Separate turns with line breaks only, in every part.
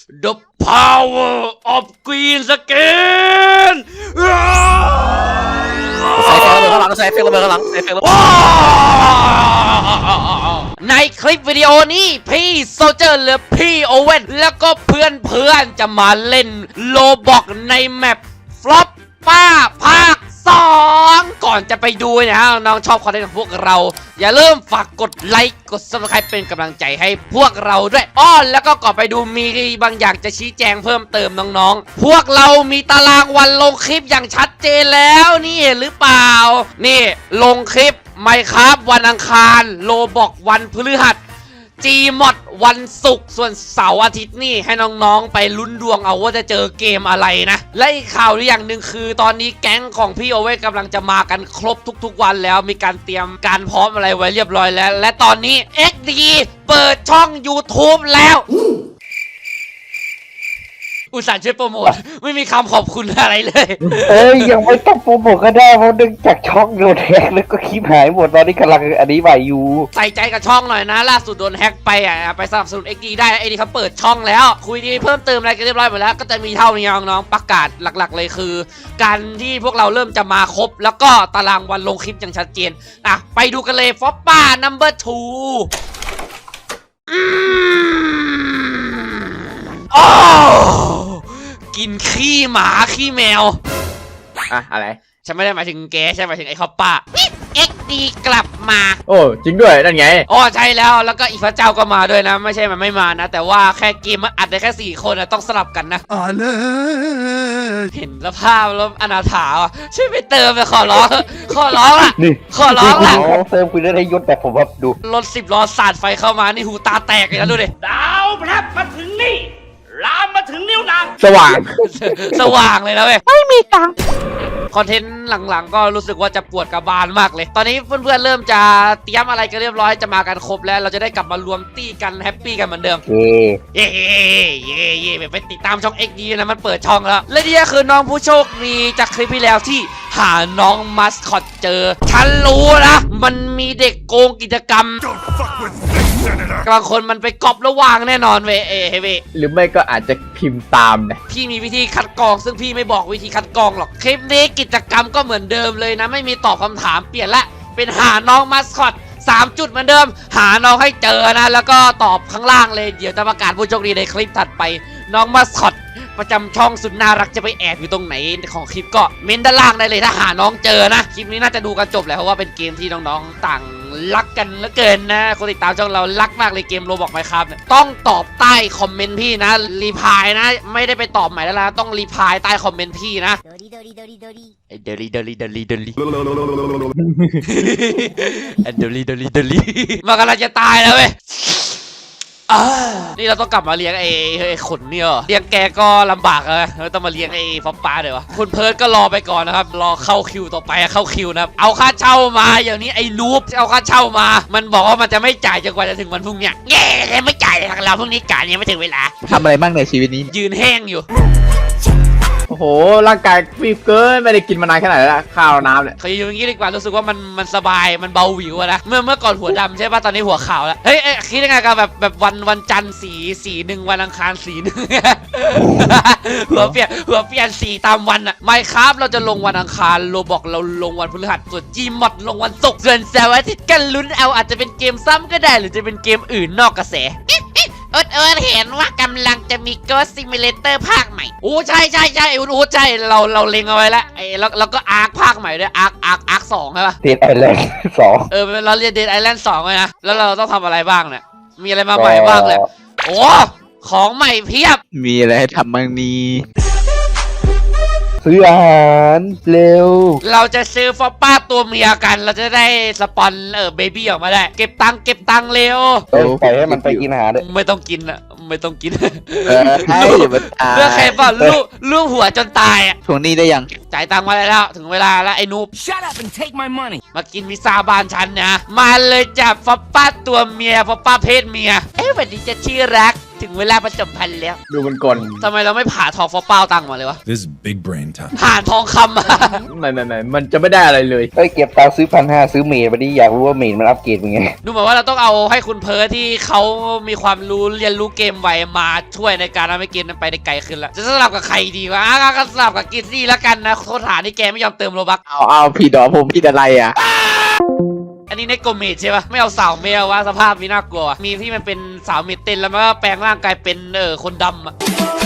The power of green skin
ใส่เฟกระเบิดข้างหลังใส่เฟกระเบิดข้างหลังใส่เฟกระเบิด
ในคลิปวิดีโอนี้พี่โซลเจอร์หรือพี่โอเว่นแล้วก็เพื่อนจะมาเล่นโลบอกในแมปฟลอปป้าภาค2ก่อนจะไปดูนะน้องชอบคอนเทนต์ของพวกเราอย่าลืมฝากกดไลค์กด Subscribe เป็นกำลังใจให้พวกเราด้วยแล้วก็ก่อนไปดูมีบางอย่างจะชี้แจงเพิ่มเติมน้องๆพวกเรามีตารางวันลงคลิปอย่างชัดเจนแล้วนี่เห็นหรือเปล่านี่ลงคลิปMinecraft วันอังคารโลบอกวันพฤหัสGmod วันศุกร์ส่วนเสาร์อาทิตย์นี่ให้น้องๆไปลุ้นดวงเอาว่าจะเจอเกมอะไรนะและอีกข่าวอย่างหนึ่งคือตอนนี้แก๊งของพี่โอเว่นกำลังจะมากันครบทุกๆวันแล้วมีการเตรียมการพร้อมอะไรไว้เรียบร้อยแล้วและตอนนี้ XD เปิดช่อง YouTube แล้วอุตส่าห์ช่วยโปรโมทไม่มีคำขอบคุณอะไรเลย
ยังไม่ต้องโปรโมทก็ได้เพราะดึงจากช่องโดนแฮกแล้วก็คลิปหายหมดตอนนี้กำลังอันนี้ใหม่อยู่
ใส่ใจกับช่องหน่อยนะล่าสุดโดนแฮกไปไปสนับสนุน XD ได้ XD เขาเปิดช่องแล้วคุยดีเพิ่มเติมอะไรกันเรียบร้อยหมดแล้วก็จะมีเท่านี้น้องๆประกาศหลักๆเลยคือการที่พวกเราเริ่มจะมาครบแล้วก็ตารางวันลงคลิปอย่างชัดเจนไปดูกันเลยฟอปป้า number 2กินขี้หมาขี้แมว
อะไร
ฉันไม่ได้หมายถึงแกฉันหมายถึงไอ้คอปป้าXD กลับมา
โอ้จริงด้วยนั่นไง
ใช่แล้วก็อีพระเจ้าก็มาด้วยนะไม่ใช่มันไม่มานะแต่ว่าแค่เกมมันอัดได้แค่4 คนต้องสลับกันนะเห็นสภาพแล้วอนาถาช่วยไปเติมไปขอร้องล่ะขอร้องล่ะ
เติมคุณได้ยศแต่ผมว่าดู
รถ10 ล้อสาดไฟเข้ามานี่หูตาแตกเลยนะดูดิดาวพระมาถึงนี่ลามมาถึงนิ้วนาง
สว่
างเลยนะเว้ยไม่มีตังคอนเทนต์หลังๆก็รู้สึกว่าจะปวดกระบาลมากเลยตอนนี้เพื่อนๆเริ่มจะเตรียมอะไรกันเรียบร้อยจะมากันครบแล้วเราจะได้กลับมารวมตี้กันแฮปปี้กันเหมือนเดิมเย่ไปติดตามช่อง XD นะมันเปิดช่องแล้วและนี่ก็คือน้องผู้โชคดีจากคลิปที่แล้วที่หาน้องมัสคอตเจอฉันรู้นะมันมีเด็กโกงกิจกรรมบางคนมันไปก๊อประวางแน่นอนเว้ย
หรือไม่ก็อาจจะพิมพ์ตามนะ
พี่มีวิธีคัดกรองซึ่งพี่ไม่บอกวิธีคัดกรองหรอกคลิปนี้กิจกรรมก็เหมือนเดิมเลยนะไม่มีตอบคำถามเปลี่ยนละเป็นหาน้องมัสคอต3 จุดเหมือนเดิมหาน้องให้เจอนะแล้วก็ตอบข้างล่างเลยเดี๋ยวจะประกาศผู้โชคดีในคลิปถัดไปน้องมัสคอตประจำช่องสุดน่ารักจะไปแอบอยู่ตรงไหนของคลิปก็เม้นด้านล่างได้เลยถ้าหาน้องเจอนะคลิปนี้น่าจะดูกันจบแล้วเพราะว่าเป็นเกมที่น้องๆต่างรักกันเหลือเกินนะคนติดตามช่องเรารักมากเลยเกมโรบอกไหมครับต้องตอบใต้คอมเมนต์พี่นะรีพายนะไม่ได้ไปตอบใหม่แล้วนะต้องรีพายใต้คอมเมนต์พี่นะเดลีมากำลังจะตายแล้วเว้ยนี่เราต้องกลับมาเลี้ยงไอ้ขนเนี่ยเลี้ยงแกก็ลำบากเลยต้องมาเลี้ยงไอ้ฟอปป้าเดี๋ยวคุณเพิร์ดก็รอไปก่อนนะครับรอเข้าคิวต่อไปเข้าคิวนะครับเอาค่าเช่ามาอย่างนี้ไอ้นูบเอาค่าเช่ามามันบอกว่ามันจะไม่จ่ายจนกว่าจะถึงวันพรุ่งนี้ไม่จ่ายเลยเราพรุ่งนี้จ่ายยังไม่ถึงเวลา
ทำอะไรบ้างในชีวิตนี้
ยืนแห้งอยู่
โอ้โหร่างกายฟีบเกินไม่ได้กินมานานขนาดแล้วข้าวน้ำเนี่ย
เคยอย่างนี้ดีกว่ารู้สึกว่ามันสบายมันเบาหวิวนะเมื่อก่อนหัวดำใช่ป่ะตอนนี้หัวขาวแล้วเฮ้ยคิดยังไงกับแบบวันจันทร์สีหนึ่งวันอังคารสีหนึ่งหัวเปลี่ยนสีตามวันอะMinecraftเราจะลงวันอังคารโรบอกเราลงวันพฤหัสส่วน Gmod ลงวันศุกร์ส่วนเสาร์อาทิตย์กันลุ้นเอาอาจจะเป็นเกมซ้ำก็ได้หรือจะเป็นเกมอื่นนอกกระแสเห็นว่ากำลังจะมี Ghost Simulator ภาคใหม่ใช่ใช่ใช่เราเล็งเอาไว้แล้วแล้วก็อาร์คภาคใหม่ด้วยอาร์ค2ใช่ป่ะ
Dead Island 2
เราเรียน Dead Island 2เลยนะแล้วเราต้องทำอะไรบ้างเนี่ยมีอะไรมาใหม่บ้างเลยของใหม่เพียบ
มีอะไรให้ทำบ้างนี้
ซื้ออาหารเร็ว
เราจะซื้อฟอปป้าตัวเมียกันเราจะได้สปอนเบบี้ออกมาได้เก็บตังค์เร็ว
ปล่อยให้มันไปกินอาหารด้วย
ไม่ต้องกินอะไม่ต้องกิน
ให้
เพื่อใครป่ะลูกหัวจนตายอะ
ทวงหนี้ได้ยัง
จ่ายตังค์มาแล้วถึงเวลาแล้วไอ้นูบ
Shut up and take my money
มากินพิซซ่าบ้านฉันนะมาเลยจับฟอปป้าตัวเมียฟอปป้าเพศเมียวันนี้จะชื่อรักถึงเวลาประจำพันธ์แล้ว
ดูมันกล
ทำไมเราไม่ผ่าทองฟอเป้าตังค์มาเลยวะ
This is big brain time.
ผ่านทองคำมา
ไม่มันจะไม่ได้อะไรเลย
เอ้ยเก็บตังค์ซื้อ1,500ซื้อเมดวันนี้อยากรู้ว่าเมดมันอัปเกรดเป็นไง
ดูเหมือนว่าเราต้องเอาให้คุณเพิร์ทที่เขามีความรู้เรียนรู้เกมไวมาช่วยในการทำให้เกมนั้นไปได้ไกลขึ้นแล้วจะสลับกับใครดีวะก็สลับกับกิซซี่แล้วกันนะโทษฐานที่แกไม่ยอมเติมโลบัก
เอาผิดดอกผมผิดอะไรอ่ะ
อันนี้ในโกเมดใช่ปะไม่เอาสาวเมลวะสภาพมีน่ากลัวมีที่มันเป็นสาวเมดเต้นแล้วมันก็แปลงร่างกายเป็นคนดำอะ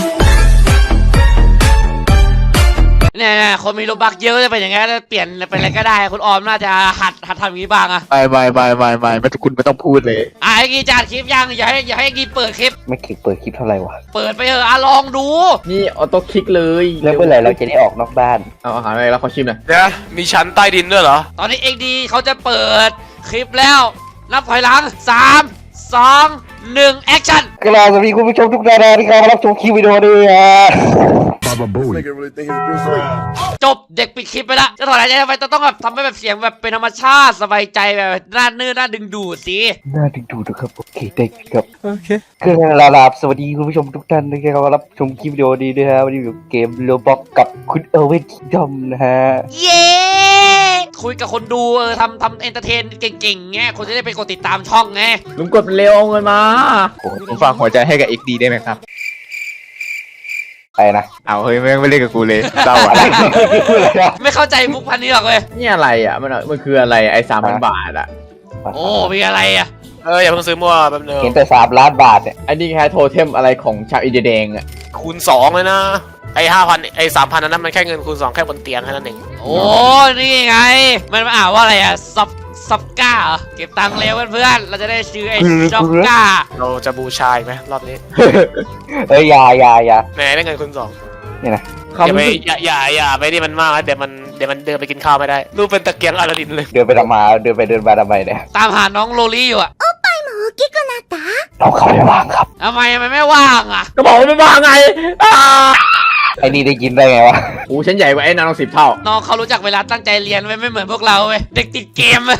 เนี่ยคนมีโลบักเยอะจะเป็นอย่างงี้เปลี่ยนเป็นอะไรก็ได้คุณออมน่าจะหัดทำอย่างนี้บ้างอะ
ไม่คุณไม่ต้องพูดเลย
ไอ้กีจัดคลิปยังอย่าให้กีเปิดคลิป
ไม่เคยเปิดคลิปเท่าไหร่วะ
เปิดไปเถอะลองดู
นี่ออโต้คลิกเลย
แล้วเมื่อไหร่เราจะได้ออกนอกบ้าน
เอาอาหารอะไรแล้วขอชิมหน่อย
เดี๋ยวมีชั้นใต้ดินด้วยเหรอ
ตอนนี้เอ็กดีเขาจะเปิดคลิปแล้ว นับถอยหลัง 3 2 1 แอคชั่น
กราบสวัสดีคุณผู้ชมทุกท่านที่เข้ามารับชมคลิปวิดีโอนี้ฮะ
Baba Booey.
จบเด็กปิดคลิปไปละจะถอยหายใจทำไมต้องแบบทำให้แบบเสียงแบบเป็นธรรมชาติสบายใจแบบน่าเนื้อน่าดึงดูดสิ
น่าดึงดูดนะครับโอเคได้ครับโอเคก็ลาบสวัสดีคุณผู้ชมทุกท่านที่เข้ามารับชมคลิปวิดีโอนี้ด้วยฮะวันนี้อยู่เกมโรบ็อกกับคุณเอเวนคิงดอมนะฮะ
เย้คุยกับคนดูทำเอนเตอร์เทนเก่งๆไงคนจะได้ไปกดติดตามช่องไง
ลุงกดเร็วเอาเงินมาผมฝากหัวใจให้กับ XD ได้ไหมครับ
ไปนะ
เอาเฮ้ยไม่เล่นกับกูเลยเศร้า
อะ
อะไร ไร
ไม่เข้าใจมุกพันนี้หรอกเลย
นี่อะไรอ่ะมันคืออะไรไอ้3,000 บาทอ่ะ
โอ้มีอะไรอ่ะ
อย่าเพิ่งซื้อมั่วแป๊บนึง
เห็นแต่3 ล้านบาทเนี่ย
อันนี้แค่โทเทมอะไรของชาวอินเดียแดงอ่ะ
คูณ2เลยนะ ไอ้5,000ไอ้3,000นั้นมันแค่เงินคูณ2แค่บนเตียงแค่นั้นเอง
โอ้นี่ไง มันมาอ่านว่าอะไรอ่ะซับก้าเหรอเก็บตังค์เร็วเพื่อนๆเราจะได้ซื้อไอ้ช็อกก้า
เราจะบูชาอีกไหมรอบนี้
เอ้ยอย่า
แหมได้เงินคูณ2
นี่นะ
อย่าไปอย่าไปนี่มันมากนะเดี๋ยวมันเดินไปกินข้าวไม่ได้รูปเป็นตะเกียงอลาดินเลย
เดินไปทำมาเดินไปเดินมาทำไมเนี่ย
ตามหาน้องโลลี่อยู่อ่ะ
เราเข้าไปว่างครับ
ทำไมมันไม่ว่างอ่ะ
ก็บอกว่าไม่มาไง
ไอ้นี่ได้ยินได้ไงวะ
โอ้ฉันใหญ่กว่าไอ้นาง10 เท่า
น้องเขารู้จักเวลาตั้งใจเรียนไว้ไม่เหมือนพวกเราเว้ยเด็กติดเกม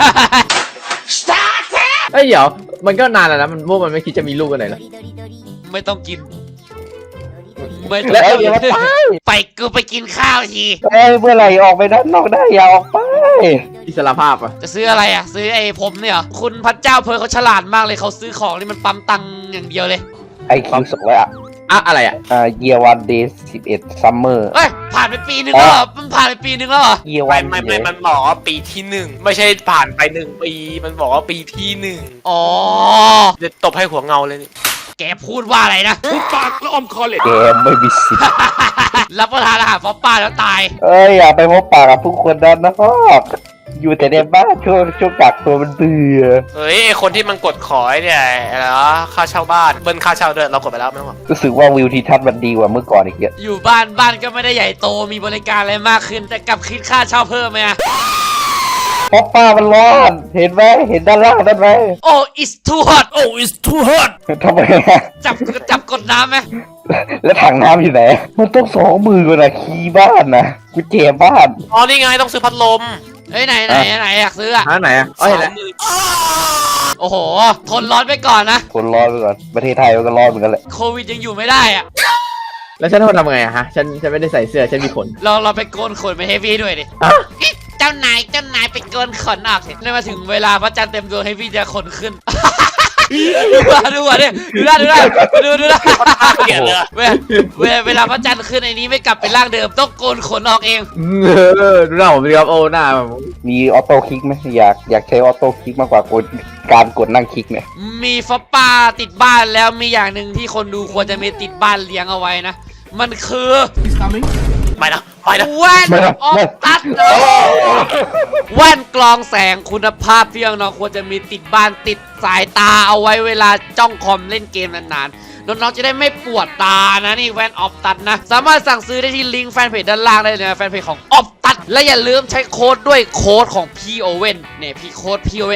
เอ้ยเดี๋ยวมันก็นานแล้วนะพวกมันไม่คิดจะมีลูกกันไหนเหรอ
ไม่ต้องกินไม่ต้อง
แล้ว
กิ
เดี๋ยวน มาไป
กูไปกินข้าวที
เอ้ยเมื่อไหร่ออกไปด้านนอกได้อย่าออกไป
อิสรภาพอ่ะ
จะซื้ออะไรอ่ะซื้อไอ้ผมเนี่ยเหรอคุณพระเจ้าเพร์ลเขาฉลาดมากเลยเขาซื้อของนี่มันปั๊มตังค์อย่างเดียวเลย
ไอคิว200
อะไรอ่ะ
year 1 day 11 summer
เฮ้ยผ่านไปปีนึงแล้วเหรอมันผ่านไปปีนึงแล้วเหรอ
year
ไม่
1
ไม่มันบอกว่าปีที่1ไม่ใช่ผ่านไป1 ปีมันบอกว่าปีที่1
อ๋อ
เดี๋ยวตบให้หัวเงาเลยนี่
แกพูดว่าอะไรนะ
ปากแล้วอมคอเลย
เกมไม่มีสิทธิ์
รับประทานอาหารฟอปป้าแล้วตาย
เอ้ยอย่าไปพบปากกับผู้คนนั้นนะครับอยู่แต่ในบ้านช่วงกักตัวมันเบื่อ
เฮ้ยไอ้คนที่มันกดขอไอ้เนี่ยอะไรวะค่าเช่าบ้านเบิ้ลค่าเช่าด้วยเรากดไปแล้วไม่ต้องหรอก
รู้สึกว่าวิวทิวทัศน์มันดีกว่าเมื่อก่อนอีกเยอะ
อยู่บ้านก็ไม่ได้ใหญ่โตมีบริการอะไรมากขึ้น แต่กลับคิดค่าเช่าเพิ่มไหมอะ
เพราะป้ามันร้อนเห็นไหมเห็นด้านล่างนั่นไหม
โอ้ it's too hot โอ้ it's too hot
ทำไมอะ
จับกดน้ำไหม
แล้วถังน้ำอยู่ไหนมันต้อง2 มือก่อนนะคีย์บ้านนะกุญแจบ้าน
อ๋อนี่ไงต้องซื้อพัดลม
เฮ้ยไหนอยากซื้ออะ
หาไหนอ่ะอ๋อเห็นแล้ว
โอ้โห ทนร้อนไปก่อนนะ
คนร้อนไปก่อนประเทศไทยมันก็ร้อนเหมือนกันแหละ
โควิดยังอยู่ไม่ได้อะ
แล้วฉันทำไงอะฮะฉันไม่ได้ใส่เสื้อฉันมีขน
เราไปโกนขนไปเฮฟวี่ด้วยดิ
อะ
เจ้านายไปโกนขนออกสินี่มาถึงเวลาพระจันทร์เต็มดวงเฮฟวี่จะขนขึ้น ดูอ่ะเนี่ยดูนะ
เกลียดเลยอะ
เวลาพระจันทร์ขึ้นไอ้นี้ไม่กลับเป็นร่างเดิมต้องโกนขนออกเอง
ดูหน้าผมสิครับโอ้หน้า
มีออโต้คลิกไหมอยากใช้ออโต้คลิกมากกว่การกดนั่งคลิกเนี่ย
มีฟอปป้าติดบ้านแล้วมีอย่างหนึ่งที่คนดูควรจะมีติดบ้านเลี้ยงเอาไว้นะ มันคือ
ไม่นะ
แว่นออฟตัดแว่นกรองแสงคุณภาพที่น้องๆควรจะมีติดบ้านติดสายตาเอาไว้เวลาจ้องคอมเล่นเกมนานๆน้องๆจะได้ไม่ปวดตานะนี่แว่นออฟตัดนะสามารถสั่งซื้อได้ที่ลิงก์แฟนเพจด้านล่างได้เลยนะแฟนเพจของออฟตัดและอย่าลืมใช้โค้ดด้วยโค้ดของพี่โอเว่นเนี่ยพี่โค้ดพี่โอเว่นเอง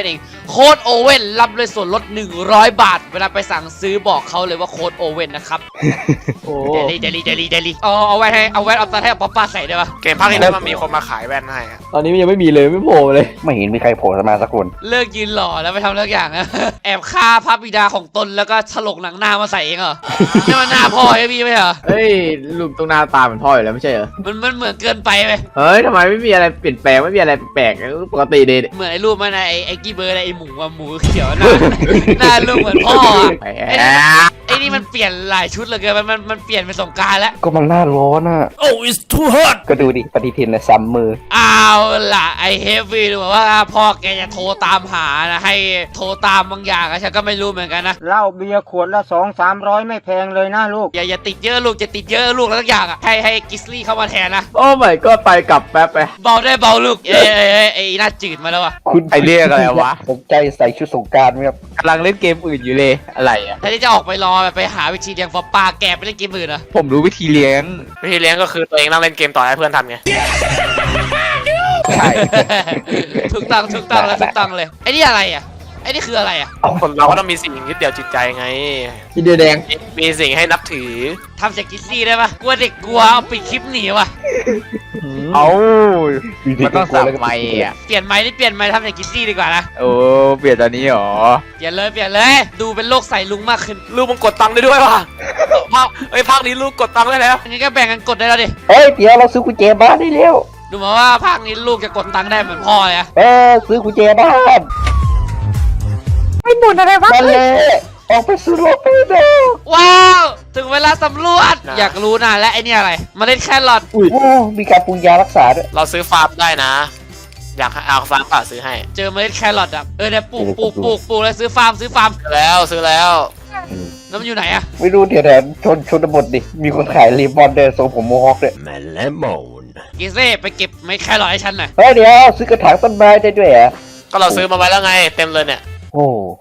โค้ดโอเว่นรับเลยส่วนลด100 บาท เวลาไปสั่งซื้อบอกเขาเลยว่าโค้ดโอเว่นนะครับ
โอ้
เดลี่เอาแว่นเอาตาให้ป๊อปป้าใส่ได้ปะ
เกมภาคนี้แล้วมันมีคนมาขายแว่นให้อะ
ตอนนี้มันยังไม่มีเลยไม่โผล่เลย
ไม่เห็นมีใครโผล่มาสักคน
เลิกยืนหล่อแล้วไปทำเลิกอย่างนะ แอบฆ่าพระบิดาของตนแล้วก็ฉลกหนังหน้ามาใส่เองเหรอ นี่มันหน้าพ่อไอ้พี่ไหมเหรอ
เฮ้ยรูปตรงหน้าตาเหมือนพ่ออยู่แล้วไม่ใช่เหรอ
มันเหมือนเกินไปไหม
เฮ้ยทำไมไม่มีอะไรเปลี่ยนแปลงไม่มีอะไรแปลกปกติดี
เหมือนไอ้รูปมันนะไอ้กี้เบิร์ดไอ้หมูอะหมูเขียวหน้า หน้ารูปเหมือนพ่ออะไอ้นี่มันเปลี่ยนหลายชุดเหลยเกินมันเปลี่ยนเป็นสงกรานต์แล้ว
ก็มันหน้าร้อนอ่ะ
Oh, it's too hot.
ก็ดูดิปฏิทินนะซ้ำมือ
เอาล่ะไอ้เฮฟวี่ดูเหมือนว่าพ่อแกจะโทรตามหานะให้โทรตามบางอย่างอะฉันก็ไม่รู้เหมือนกันนะ
เหล้าเบียร์ขวดละ200-300ไม่แพงเลยนะลูก
อย่าติดเยอะลูกจะติดเยอะลูกแล้วทุกอย่างอะให้กิสลี่เข้ามาแทนนะ
โอ้ไม่ก็ไปกลับแป๊บไป
เบาได้เบาลูกไอ้หน้าจืดมาแล้วอะ
คุณ
ไอเรียกอะไรวะ
สนใจใส่ชุดสงกรารไหมครับ
กำลังเล่นเกมอื่นอยู่เลยอะไรอ่ะ
แทนที่จะออกไปรอไปหาวิธีเลี้ยงฟอปปาแกไปเล่นเกมอื่นเหรอ
ผมรู้วิธีเลี้ยง
วิธีเลี้ยงก็คือตัวเองนั่งเล่นเกมต่อให้เพื่อนทำไง
ใช่
ถูกต้องเลยไอ้นี่อะไรอ่ะไอ้นี่คืออะไรอ่ะ
คนเราก็ต้องมีสิ่งยึดเหนี่ยวจิตใจไง
ทีเดียวแดง
มีสิ่งให้นับถือ
ทำจากกิสลี่ได้ปะกลัวเด็กกลัวเอาปิดคลิปหนีว่ะ
เอามันต้องสับไม้อ่ะ
เปลี่ยนไม้นี่เปลี่ยนไม้ทำจากกิสลี่ดีกว่านะ
โอ้เปลี่ยนตอนนี้หรอ
เปลี่ยนเลยดูเป็นโลกใส่ลุงมากขึ้น
ลูกมันกดตังค์ได้ด้วยว่ะภาคนี้ลูกกดตังค์ได้แล้ว
งั้นก็แบ่งกันกดได้แล้วดิ
เฮ้ยเดี๋ยวเราซื้อกุญแจบ้านได้เร็ว
ดูเหมาว่าภาคนี้ลูกจะกดตังค์ได้เหมือนพ่อเลยอะ
ซื้อกุญแจบ้าน
ไม่บ่นอะไรวะ
มาเลยออกไปสู่โลกไปดู
ว้าวถึงเวลาสำรวจอยากรู้นะและไอ้นี่อะไรเมาเล่นแครอท
โอ้มีการปรุงยารักษาด้วย
เราซื้อฟาร์มได้นะ อยากเอาฟาร์มป่าซื้อให้
เจอเมล็ดแครอทอ่ะเนี่ยปลูกแล้วซื้อฟาร์ม
ซื้อแล้ว
แล้วมันอยู่ไหนอ่ะ
ไม่รู้เดี๋ยวชนบทดิมีคนขายรีบอนเดอร์ทรงผมโมฮอคด้วย
Lemon.
กิเซ่ไปเก็บเมล็ดแครอทให้ฉันหน่อย
เฮ้ยเดี๋ยวซื้อกระถางต้นไม้ได้ด้วยเหรอ
ก็เราซื้อมาไว้แล้วไงเต็มเลยเนี่ย
โอ้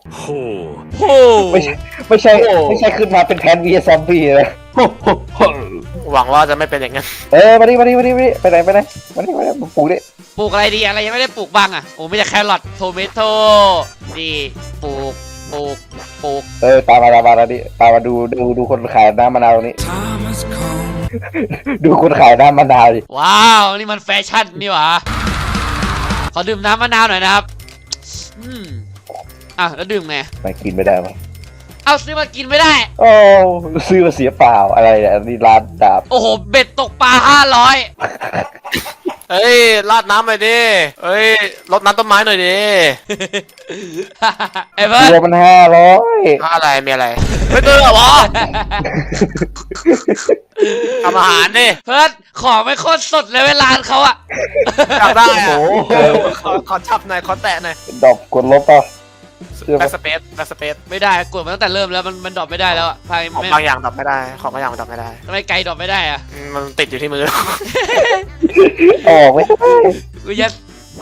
Oh.
โอ้
ไม่ใช่ขึ้นมาเป็นแพนวีซอมบี้เลย
หวังว่าจะไม่เป็นอย่างนั้น
มาดิไปไหนมานี่มาปลูกดิ
ปลูกอะไรดีอะไรยังไม่ได้ปลูกบ้างอ่ะโอ้ไม่ใช่แครอทโทเมโต้ดีปลูก
ตามมาดิตามมาดูคนขายน้ำมะนาวนี้ ดูคนขายน้ำมะนาวดิ
ว้าวนี่มันแฟชั่นนี่หว่าขอดื่มน้ำมะนาวหน่อยนะครับแล้วดื่มไง
ไม่กินไม่ได้มั้ย
เอาซื้อมากินไม่ได้
โอ้ซื้อมาเสียเปล่าอะไรเนี่ยนี่ร้านดาบ
โอ้โหเบ็ดตกปลา500
เฮ้ยราดน้ำหน่อยดิเฮ้ยรดน้ำต้นไม้หน่อยดิ
ไอ้เบิร์ด
ตัวมัน500
อะไรมีอะไรไม่ตื่นเหรอวะทำอาหารดิ
เพิร์ดของไม่โคตรสดเลยเวลาเขาอะ
อยากได้อะขอจับหน่อยขอแตะหน่อย
ดอกกดลบป่ะ
แบ็กสเปซ
ไม่ได้กดมาตั้งแต่เริ่มแล้วมันดรอปไม่ได้แล้วอะพาย
ของ
ไม่
บางอย่างดับไม่ได้ของบางอย่างดับไม่ได้
ทำไมไกลดรอปไม่ได้อะ
มันติดอยู่ที่มือ
ออกไม่ได้
กูยัด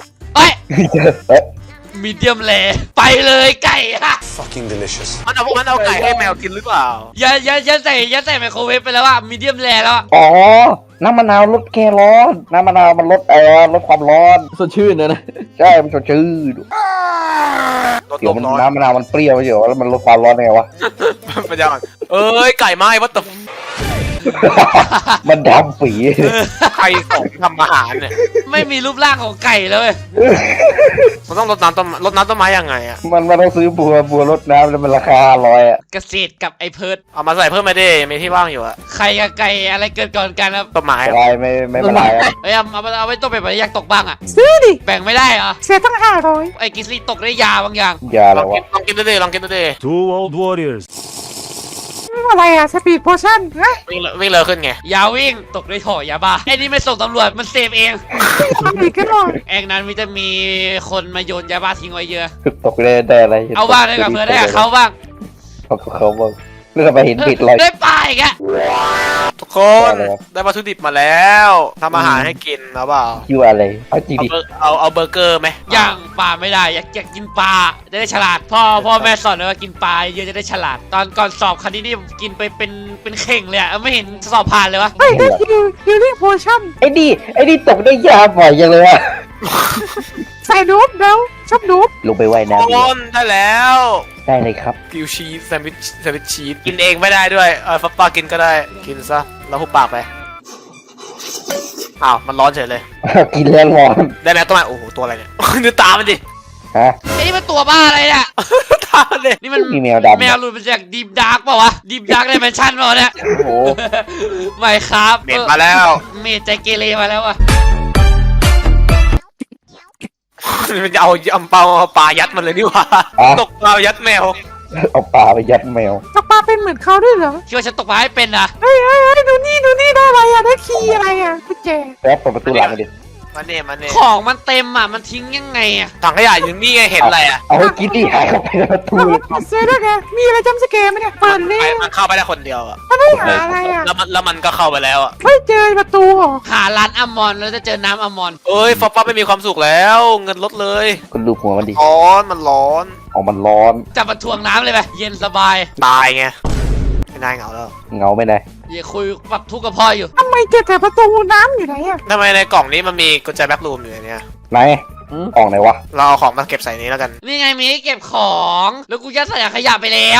มีเดียมแลไปเลยไก่ฮะ
Fucking delicious.
มันเอาไก่ให้แมวกินหรือเปล่า
ยัดใส่ไมโครเวฟไปแล้วอะมีเดียมแลแล้วอะ
อ๋อน้ำมะนาวลดแก้ร้อนน้ำมะนาวมันลดลดความร้อน
สดชื่นนะ
ใช่มันสดชื่น
รถ
เดี๋
ล
ยว
ม
มัน
ร้อน
น้ำมะนาวมันเปรี้ยวเดี๋ยวแล้วมันลดความร้อนไงวะ
ปัญญาอ่อนเอ้ยไก่ไหม้วัตถุ
มันดำปี
ใครสอนทำอาหารเนี่ย
ไม่มีรูปร่างของไก่แล้วเว้ย
มันต้องรดน้ำต้นไม้ยังไงอะ
มันต้องซื้อบัวรดน้ำแล้วมันราคา500อ่ะ
เกษตรกับไอ้เพิร์ด
เอามาใส่เพิ่มมาดิมีที่ว่างอยู่อะ
ไข่กับไก่อะไรเกิดก่อนกันครับ
ต้นไม้
อะไรไม่เป็นไรอะ
เอ้ยเอาไว้ต้มเป็ดอยากตกบ้างอะ
ซื้อดิ
แบ่งไม่ได้เหรอ
เสียตั้ง500
ไอ้กิสลี่ตกได้ยาบางอย่าง
อย่า
ล
เล
อง
ยวะ
กินดูดิลองกินดูดิ
Two old warriors.
อะไรอะสปีดโพชั่นนะ
วิ่งเร็วขึ้นไง
ยาวิ่งตกได้ถ่อยาบ้าไอ้นี่ไม่ส่งตำรวจมันเสพเอง
ทำอีกก็หน่อย
แองนั้นมีจะมีคนมาโยนยาบ้าทิ้งไว้เยอะ
ตกได้อะไร
เอาบ้างได้กับเพื่อนได้กับเขาบ้าง
เขาบ้างเรื่องไปเห็นบิดลอย
ได้ปลาอีกอะ
ทุกคน
ได้เลยครับ
ได้วัตถุดิบมาแล้วทำอาหารให้กินเอาเปล่า
คิวอะไรเอาจริงดิ
เอาเบอร์เกอร์ไหม
ย่างปลาไม่ได้อยากกินปลาจะได้ฉลาดพ่อแม่สอนเลยว่ากินปลาเยอะจะได้ฉลาด ตอนก่อนสอบคณิตนี่กินไปเป็นเข่งเลยอะไม่เห็นสอบผ่านเลยวะ
เฮ้ยได้คิวลิ่งโพชั่น
ไอ้นี่ตกได้ยาบ่อยจังเลยอะ
ใส่นูบแล้วชอบนุ๊บ
ลงไปว่ายน้ำดีก
โอ
ว่าน
ได้แล้ว
ได้เลยครับ
กิวชีสแซนด์วิชชีสกินเองไม่ได้ด้วยฟับป้ากินก็ได้กินซะแล้วหุบปากไปอ้าวมันร้อนเฉยเลย
กินแล้วร้อน
ได้แมวตัวใหม่โอ้โหตัวอะไรเนี่ย ดูตามันดิ
ฮะ
ไอ้นี่มันตัวบ้าอะไรเนี่ย
ตามันดิ
นี่มัน
มีแมวดำ
แมวหลุดมาจากดีฟดาร์กเปล่าวะดีฟดาร์กไดเมนชั่นเปล่าวะเนี่ย
โอ้โห
ไม่ครับ
เม็ดมาแล้ว
เมดใจเกเรมาแล้วอะ
มันจะเอาเปาปลายัดมันเลยนี่หว่าตกปลายัดแมว
เอาปลาไปยัดแมว
ตกปลาเป็นเหมือนเขาด้วยเหรอ
คิดว่าฉันตกปลาให้เป็นนะ
เฮ้ยดูนี่ได้อะไรได้คีย์อะไรกุญแจ
แป๊บเปิดประตูหลังมาดิ
มันเนี่ย
ของมันเต็มอ่ะมันทิ้งยังไงอ่ะ
ถังขยะอยู่นี่ไงเห็นอะไรอ่ะ
เอาให้กินดิหายเข้าไปในประตู
เสื้อด้วยไงมีอะไรจำสแกร์ไหมเนี่ยเปิดเลย
มันเข้าไปได้คนเดียวอ่ะ
มันไม่หาอะไรอ่ะ
แล้วมันก็เข้าไปแล้วอ่ะ
ไม่เจอประตูหรอ
หาร้านอัมมอนแล้วจะเจอน้ำอัมมอน
เอ้ยฟอปป้าไม่มีความสุขแล้วเงินลดเลย
คุณดูหัวมันดิ
ร้อนมันร้อน
ออกมันร้อน
จับมาทวงน้ำเลยไปเย็นสบาย
ตายไงไม่น่าเหงาแล้ว
เงาไม่ได้
อย่าคุยปรับทุกข์กับพ่ออยู่
ทำไมเจอแต่ประตูน้ำอยู่ไหนอ่ะ
ทำไมในกล่องนี้มันมีกุญแจแบ็ครูมอยู่ในเนี่ย
ไหนกล่องไหนวะ
เราเอาของมาเก็บใส่นี้แล้วกัน
นี่ไงมีให้เก็บของแล้วกูยัดใส่ถังขยะไปแล้ว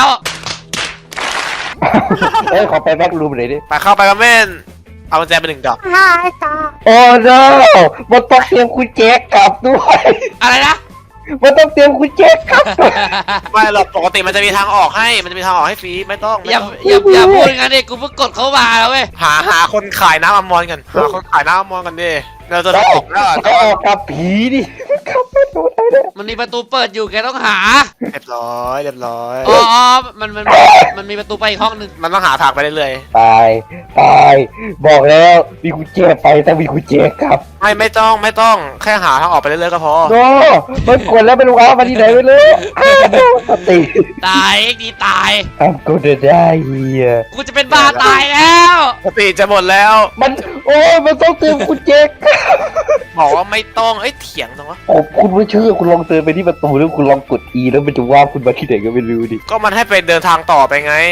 เอ้ยขอไปแบ็กรูมหน่อยดิ
ไปเข้าไปกันเม่นเอากุญแจไป1 ดอก
หายตา
โอ้โนมันต้องเตรียมคุณแจกลับด้วย
อะไรนะ
มันต้องเตรียมคุณแจกลับ
ไม่หรอกปกติมันจะมีทางออกให้มันจะมีทางออกให้ฟรีไม่ต้อง
อย่าพูดงั้นดิกูเพิ่งกดเข้ามาแล้วเว้ย
หาคนขายน้ำอัมมอนกันหาคนขายน้ำอัมมอนกันดิเราจะได้ออกแล้วอะ
ก็ออกกับผีดิกลับไปดูได้เลย
มันมีประตูเปิดอยู่แกต้องหา
เรียบร้อย
อ๋อมันมีประตูไปอีกห้องหนึ่ง
มันต้องหาทางไปเรื่อย
ตายบอกแล้วมีคุณแจไปแต่มีคุณแจกลับ
ๆไม่ต้องแค่หาทางออกไปเรื่อยๆก็พอ
โนมันกดแล้วไม่รู้เอามาที่ไหนไปเลยสติ
ตายเอ็กดีตาย
ทำกูจะได้เฮีย
กูจะเป็นบ้าตายแล้ว
สติจะหมดแล้ว
มันโอ้ยมันต้องเตรียมคุณแจกลับ
บอกว่าไม่ต้องเอ้ยเถียงตรงวะ
โอ้คุณไม่เชื่อคุณลองเดินไปที่ประตูแล้วคุณลองกด E แล้วมันจะว่าคุณมาที่ไหนก็ไม่รู้ดิ
ก็มันให้ไปเดินทางต่อไปไง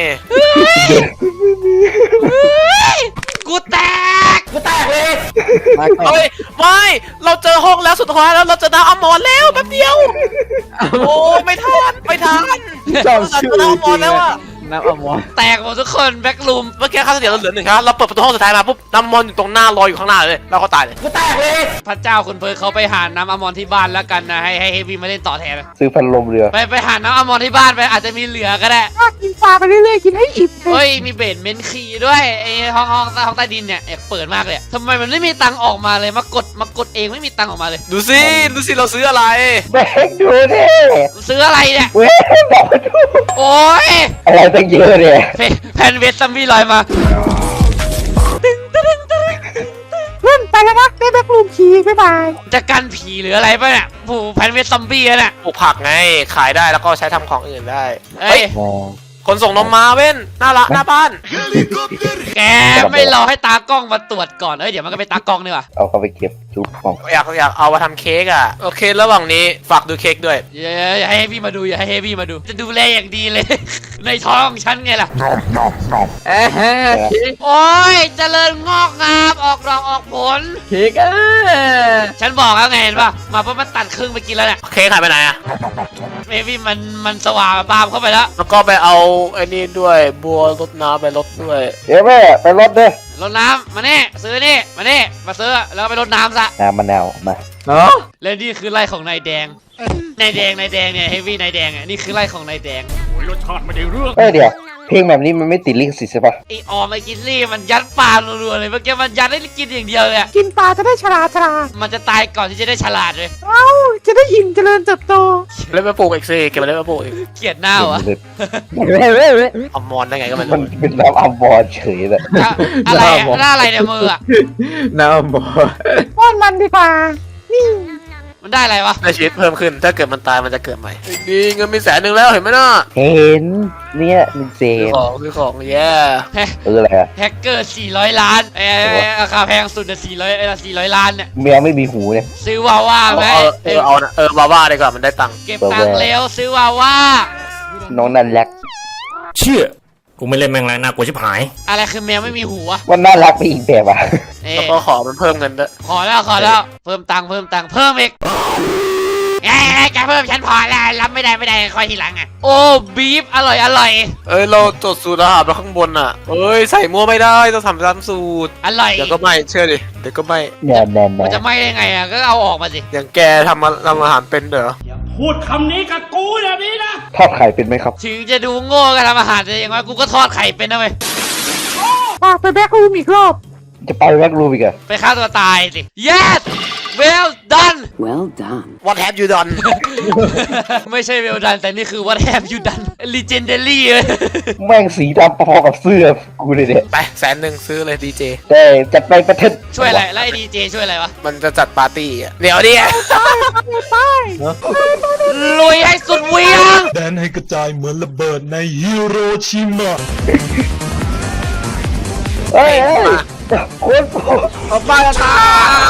กูแตกเลย
เฮ้ยไม่เราเจอห้องแล้วสุดท้ายแล้วเราเจอน้ำอัมมอนแล้วแป๊บเดียวโอ้ไม่ทัน
ชอบ
เราเจ
ชื่
อ
อ
น้ำอัมมอนแล้วอะ
น้ำอัลมอนด์
แตกหมดทุกคนแบ็กลูม
เมื่อกี้ค่าเสียเราเหลือ1 ครับเราเปิดประตูห้องสุดท้ายมาปุ๊บน้ำอัมมอนอยู่ตรงหน้ารออยู่ข้างหน้าเลยเราก็ตายเลย
พระเจ้าคุณเพิร์ลเขาไปหาน้ำอัมมอนที่บ้านแล้วกันนะให้เฮฟวี่มาเล่นต่อแทน
ซื้อพัดลมเรือ
ไปหาน้ำอัมมอนที่บ้านไปอาจจะมีเหลือก็ได้
ถ้ากินปลาไปเรื่อยๆกินให้อิ่มเลย
เฮ้ยมีเบสเมนต์คีย์ด้วยไอ้ห้องใต้ดินเนี่ยเปิดมากเลยอะทำไมมันไม่มีตังค์ออกมาเลยมากดเองไม่มีตังค์ออกมาเลย
ดูสิเราซื้ออะไร
แบกดูดิ
ซื้ออะไรเนี่ย
เว้ยบอกมาดู
โอ้ย
อะไรตั้งเยอะเนี่ย
แพนเวสซัมบี้ลอยมา
เพื่อนไปแล้วนะได้แบ็ครูมคีย์บ๊ายบาย
จะกันผีหรืออะไรป่ะเนี่ยโอ้โหแพนเวสซัมบี้อะเนี่ย
ปลูกผักไงขายได้แล้วก็ใช้ทำของอื่นได้
เอ้ย
มอง
คนส่งนมมาเว้นหน้าบ้าน
แกไม่รอให้ตากล้องมาตรวจก่อนเอ้ยเดี๋ยวมันก็ไปตากล้องนี่ว่ะ
เอาเข้าไปเก็บจุ๊บของ
อยากเอามาทำเค้กอ่ะโอเคระหว่างนี้ฝากดูเค้กด้วย
อย่าให้เฮฟวี่มาดูอย่าให้เฮฟวี่มาดูจะดูแลอย่างดีเลย ในท้องฉันไงล่ะ
เอ้ย
โอ้ยเจริญงอกงามออกดอกออกผล
เค้ก
ฉันบอกแล้วไงเห็นป่ะมาปุ๊บมันตัดครึ่งไปกินแล้วเนี่ย
เค้กหายไปไหนอ่ะ
เฮฟวี่มันสว่างปามเข้าไปแล้ว
แล้วก็ไปเอาไอ้นี่ด้วยบัวรดน้ำไปรดด้วย
เดี๋ยวแม่ไปรถเด้อ
รดน้ำมาเนี่ยซื้อนี่มาเนี่ยมาซื้อแล้วก็ไปรดน้ำซะ
น้ำมะนาวมา
เนาะ
แล้วนี่คือไร่ของนายแดงนายแดงเนี่ยเฮฟวี่นายแดงอ่ะนี่คือไร่ของนายแดง
รสชาติไม่ได้เรื่อง
เดี๋ยวเพลงแบบนี้มันไม่ติดลิขสิทธิ์ใช่ปะ
ไอออมไอกินลี่มันยัดปลารัวๆเลยเมื่อกี้มันยัดให้กินอย่างเดียวเลยอะ
กินปลาจะได้ฉลาด
มันจะตายก่อนที่จะได้ฉลาดเลย
เอ้าจะได้อิ่มเจริญเติบโต
เล่นมาปลูกอีกสิเก็บมาเล่นมาปลูกอีก
เกลียดหน้าเหรอ
เอามอนได้ไงก็ไม่
มัน
รู้
เป็นน้ำอัมบอลเฉยเลย
อะไรอะหน้าอะไรเนี่ยมืออะ
น้ำอัลมอนด์
ป้อนมันดีกว่า นี่
มันได้อะไรวะ
ได้ชีวิตเพิ่มขึ้นถ้าเกิดมันตายมันจะเกิดใหม่ดีเงินมี100,000แล้วเห็นไหมน่ะ
เห็นเนี่ยมันเจ
ซื้อของแย่
อะไรอะ
แฮกเกอร์400 ล้านราคาแพงสุดอะ400ล้านเนี่ย
แมวไม่มีหูเนี่ย
ซื้อวาว่าไหม
เอานะบาบ้าดีกว่ามันได้ตังค์
เก็บตังค์แล้วซื้อวาว่า
น้องนั่นแหละ
เชี่ยกูไม่เล่นแมงแล้วน่ากลัวชิบหาย
อะไรคือแมวไม่มีหูอะ
มันน่ารักไปอีกแบบอ่ะ
เอ๊
แล้วก็ขอมันเพิ่มเงินด้วย
ขอแล้วเพิ่มตังค์เพิ่มอีกแกเพิ่มฉันพอแล้วรับไม่ได้คอยทีหลังอ่ะโอ้บีฟอร่อย
เอ้ยเราจดสูตรอาหารมาข้างบนอ่ะเอ้ยใส่มั่วไม่ได้ต้องทำตามสูตร
อร่อย
เดี๋ยวก็ไม่เชื่อดิเดี๋ยวก็ไม่
แน่แน่
มัน
แน่
จะไม่ได้ไงอ่ะก็เอาออกมาสิ
อย่างแกทำอาหารเป็นเหรอ
ทอดไข่เป็นไหมครับ
ถึงจะดูโง่ก็ทำอาหารแต่อย่างน้อยกูก็ทอดไข่เป็นนะเว้ย
ไปแบ็ครูมอีกรอบ
จะไปแว็กรูมอีกเหรอ
ไปฆ่าตัวตายสิ yes well done
What have you done
ไม่ใช่ well done แต่นี่คือ what have you done legendary เลย
แม่งสีดำพอกับเสื้อกูเลยเนี่ย
ไป100,000ซื้อเลยดีเจ
แต่จัดไปประเทศ
ช่วยอะไรแล้วไอ้ดีเจช่วยอะไรวะ
มันจะจัดปาร์ตี้อ่ะเดี๋ยวดิ
ลุยให้สุดเหวียง
แดนให้กระจายเหมือนระเบิดในฮิโรชิมา
เฮ้ยคนโปร
เอาบ้านละท่า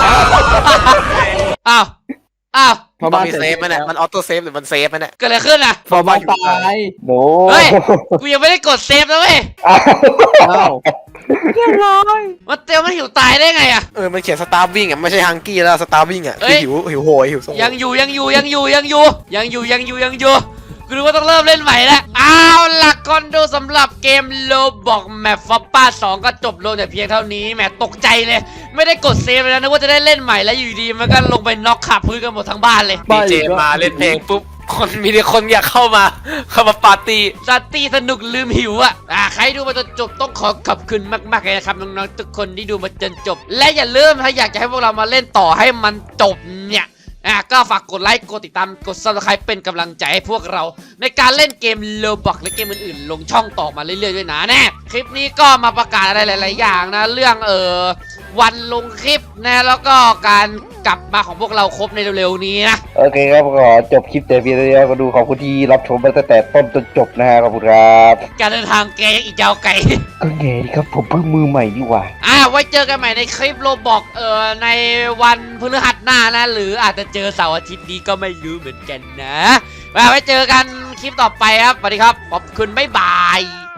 อ้าว
มันมีเซฟไหมเนี่ยมันออโต้เซฟหรือมันเซฟไหมเนี่ย
เกิดอะไรขึ้นอ่ะ
พอมาตาย
โน
เฮ้ย กูยังไม่ได้กดเซฟนะเว้ย
อ้าว
เรียบร้อย
มันเตียวมันหิวตายได้ไงอ่ะ
มันเขียนสตาร์วิ่งอ่ะไม่ใช่ฮังกี้แล้วสตาร์วิ่งอ่ะ
เอ้
คื
ย
อหิวโหยหิวโซ
ยังอยู่กูรู้ว่าต้องเริ่มเล่นใหม่แล้วเอาล่ะก่อนดูสำหรับเกมโลบอกแมปฟอปป้า2ก็จบลงแต่เพียงเท่านี้แหมตกใจเลย ไม่ได้กดเซฟเลยนะนึกว่าจะได้เล่นใหม่แล้วอยู่ดีมันก็ลงไปน็อกขับพื้นกันหมดทั้งบ้านเลย
ดีเจมาเล่นเพลงปุ๊บมีแต่คนอยากเข้ามาปาร์ตี้
สตีสนุกลืมหิวใครดูมาจนจบต้องขอขอบคุณมากๆเลยนะครับน้องๆทุกคนที่ดูมาจนจบ และอย่าลืมถ้าอยากจะให้พวกเรามาเล่นต่อให้มันจบเนี่ยก็ฝากกดไลค์กดติดตามกด Subscribe เป็นกำลังใจให้พวกเรา ในการเล่นเกม Roblox และเกมอื่นๆลงช่องต่อมาเรื่อยๆด้วยนะแน่คลิปนี้ก็มาประกาศอะไรหลายๆอย่างนะเรื่องวันลงคลิปนะแล้วก็การกลับมาของพวกเราครบในเร็วๆนี้นะ
โอเคครับขอจบคลิปแต่เพียงเท่านี้ก็ดูขอบคุณที่รับชมมาตั้งแต่ต้นจนจบนะฮะขอบคุณครับ
การเดินทางแกยังอีกยาวไกล
ก็ไงครับผมเพิ่งมือใหม่ดีกว่า
ไว้เจอกันใหม่ในคลิปโลบอกในวันพฤหัสหน้านะหรืออาจจะเจอเสาร์อาทิตย์นี้ก็ไม่รู้เหมือนกันนะไว้เจอกันคลิปต่อไปครับสวัสดีครับขอบคุณบ๊ายบาย